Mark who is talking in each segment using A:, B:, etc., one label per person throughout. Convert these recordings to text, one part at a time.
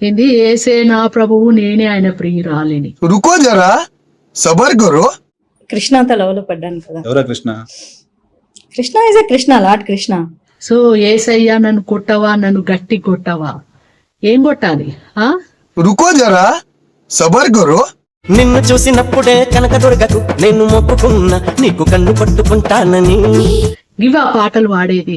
A: ఏంది ఏసే నా ప్రభువు నేనే ఆయన ప్రియురాలిని.
B: रुको जरा सबर करो.
C: కృష్ణతో లవ్ లో పడ్డాను కదా.
D: ఎవరా Krishna?
C: Krishna is a Krishna, lord Krishna.
A: So ఏసయ్యా నన్ను కొట్టవా, నన్ను గట్టి కొట్టవా, ఏం కొట్టాలి?
B: रुको जरा सबर करो.
E: నిన్ను చూసినప్పుడే కనక దొరకకు నేను మొక్కుకున్నా నీకు కన్ను పట్టుకుంటానని.
A: ఇవా పాటలు వాడేది.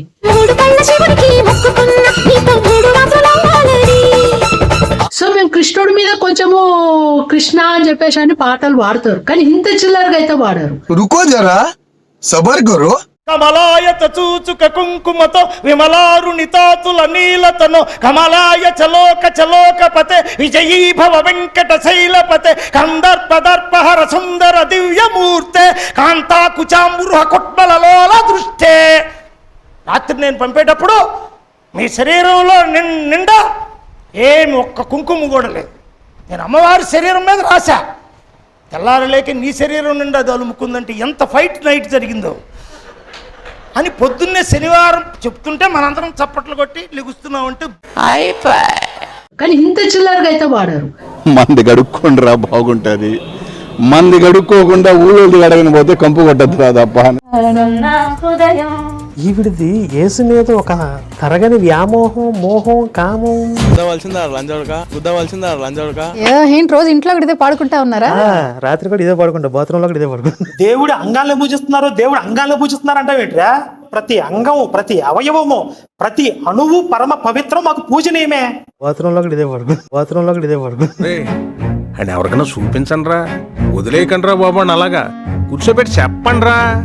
A: సో మేము కృష్ణుడి మీద కొంచెము కృష్ణ అని చెప్పేసి అని పాటలు వాడతారు, కానీ ఇంత చిల్లరగా అయితే వాడారు.
B: रुको जरा सबर करो.
F: కమలాయత చూచుక కుంకుమతో విమలారుణితాతుల నీలతను కమలాయ చలోక చలోకపతే విజయీ భవ వెంకట శైలపతే కందర్పదర్పహర సుందర దివ్యమూర్తే కాంతాకుచాంబురుహ కుట్మలలోల దృష్టే. రాత్రి నేను పంపేటప్పుడు మీ శరీరంలో నిండా ఏమి ఒక్క కుంకుమ కూడా లేదు. నేను అమ్మవారి శరీరం మీద రాశా. తెల్లారలేక నీ శరీరం నిండా అది అలుముకుందంటే ఎంత ఫైట్ నైట్ జరిగిందో అని పొద్దున్నే శనివారం చెప్తుంటే మనందరం చప్పట్లు కొట్టి లెగుస్తున్నామంటే
A: కానీ ఇంత చిల్లరగా అయితే వాడారు.
D: మంది గడుక్కోండిరా బాగుంటది, మంది గడుక్కోకుండా ఊళ్ళోది గడగని పోతే కంపు కొట్టద్దురా తప్ప.
G: ఈవిడిది యేసు మీద ఒక తరగని వ్యామోహం, మోహం, కామం.
H: ఏంటి రోజు ఇంట్లో కూడా ఇదే పాడుకుంటా ఉన్నారా?
G: రాత్రి కూడా ఇదే పాడుకుంటా, బాత్రూమ్ లో కూడా ఇదే పాడుకుంటా. దేవుడి అంగాల్లో పూజిస్తున్నారు, దేవుడు అంగాల్లో పూజిస్తున్నారు అంటావేంట్రా? ప్రతి అంగము, ప్రతి అవయవము, ప్రతి అణువు పరమ పవిత్రం, మాకు పూజనీయమే. బాత్రూమ్ లో కూడా ఇదే పాడుకుంటా, బాత్రూమ్ లో కూడా ఇదే పాడుకుంటా.
I: అండ్ ఎవరికైనా చూపించండి రా, వదిలేయకండి రా బాబు, అలాగా కూర్చోబెట్టి చెప్పండి రా.